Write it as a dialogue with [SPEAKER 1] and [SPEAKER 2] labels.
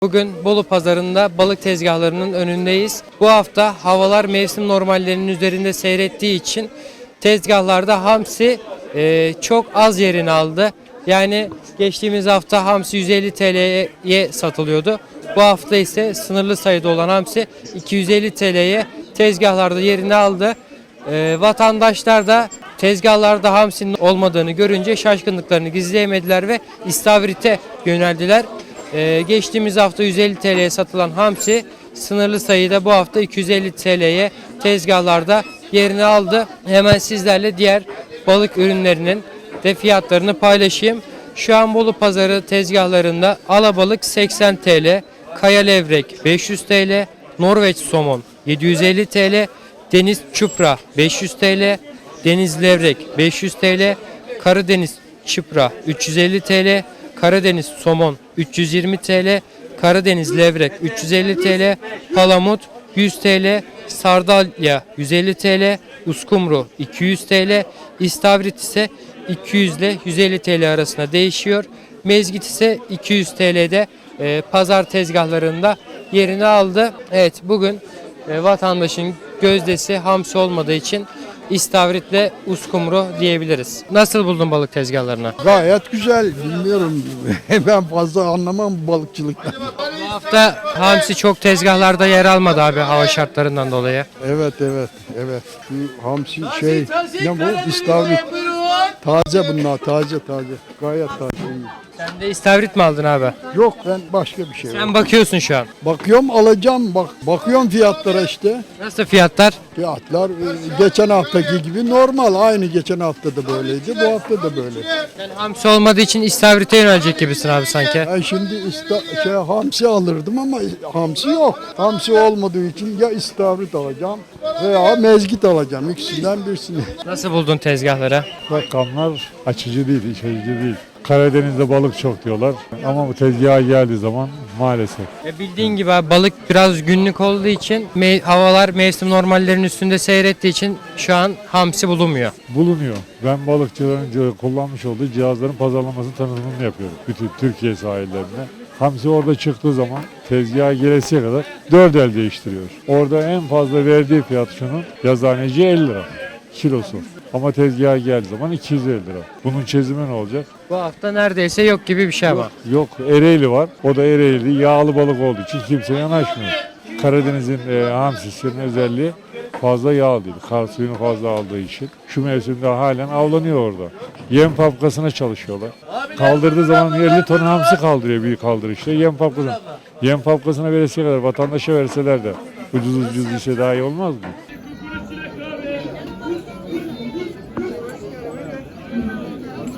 [SPEAKER 1] Bugün Bolu Pazarı'nda balık tezgahlarının önündeyiz. Bu hafta havalar mevsim normallerinin üzerinde seyrettiği için tezgahlarda hamsi çok az yerini aldı. Yani geçtiğimiz hafta hamsi 150 TL'ye satılıyordu. Bu hafta ise sınırlı sayıda olan hamsi 250 TL'ye tezgahlarda yerini aldı. Vatandaşlar da tezgahlarda hamsinin olmadığını görünce şaşkınlıklarını gizleyemediler ve istavrite yöneldiler. Geçtiğimiz hafta 150 TL'ye satılan hamsi sınırlı sayıda bu hafta 250 TL'ye tezgahlarda yerini aldı. Hemen sizlerle diğer balık ürünlerinin de fiyatlarını paylaşayım. Şu an Bolu Pazarı tezgahlarında alabalık 80 TL, kaya levrek 500 TL, Norveç somon 750 TL, deniz çupra 500 TL, deniz levrek 500 TL, Karadeniz çupra 350 TL, Karadeniz somon 320 TL, Karadeniz levrek 350 TL, palamut 100 TL, sardalya 150 TL, uskumru 200 TL, istavrit ise 200 ile 150 TL arasında değişiyor. Mezgit ise 200 TL'de pazar tezgahlarında yerini aldı. Evet, bugün vatandaşın gözdesi hamsi olmadığı için istavritle uskumru diyebiliriz. Nasıl buldun balık tezgahlarını?
[SPEAKER 2] Gayet güzel. Bilmiyorum. Ben fazla anlamam bu balıkçılıktan.
[SPEAKER 1] Bu hafta hamsi çok tezgahlarda yer almadı abi hava şartlarından dolayı.
[SPEAKER 2] Evet. Şu hamsi ne bu? İstavrit. Taze bunlar. Taze. Gayet taze.
[SPEAKER 1] Sen de istavrit mi aldın abi?
[SPEAKER 2] Yok, ben başka bir şey.
[SPEAKER 1] Sen bakıyorsun şu an.
[SPEAKER 2] Bakıyorum, alacağım. Bakıyorum fiyatlara işte.
[SPEAKER 1] Nasıl fiyatlar?
[SPEAKER 2] Fiyatlar geçen haftaki gibi normal. Aynı geçen hafta da böyleydi. Bu hafta da böyle.
[SPEAKER 1] Sen hamsi olmadığı için istavrite yönelecek gibisin abi sanki.
[SPEAKER 2] Ben şimdi hamsi alırdım ama hamsi yok. Hamsi olmadığı için ya istavrit alacağım veya mezgit alacağım. İkisinden birisini.
[SPEAKER 1] Nasıl buldun tezgahları?
[SPEAKER 3] Rakamlar açıcı değil, iç açıcı değil. Karadeniz'de balık çok diyorlar ama bu tezgaha geldiği zaman maalesef.
[SPEAKER 1] Bildiğin gibi abi, balık biraz günlük olduğu için havalar mevsim normallerinin üstünde seyrettiği için şu an hamsi bulunmuyor.
[SPEAKER 3] Bulunuyor. Ben balıkçıların kullanmış olduğu cihazların pazarlamasını, tanıtımını yapıyorum bütün Türkiye sahillerine. Hamsi orada çıktığı zaman tezgaha gelesiye kadar 4 el değiştiriyor. Orada en fazla verdiği fiyat şunun, yazıhaneci 50 lira kilosu. Ama tezgaha geldiği zaman 250 lira. Bunun çözümü ne olacak?
[SPEAKER 1] Bu hafta neredeyse yok gibi bir şey ama.
[SPEAKER 3] Yok, Ereğli var. O da Ereğli yağlı balık olduğu için kimse yanaşmıyor. Karadeniz'in hamsisinin özelliği fazla yağ değil. Kar suyunu fazla aldığı için. Şu mevsimde halen avlanıyor orada. Yem fabrikasına çalışıyorlar. Kaldırdığı zaman 50 ton hamsi kaldırıyor büyük kaldırışta. Yem fabrikasına veresiye kadar vatandaşa verseler de ucuz işe daha iyi olmaz mı?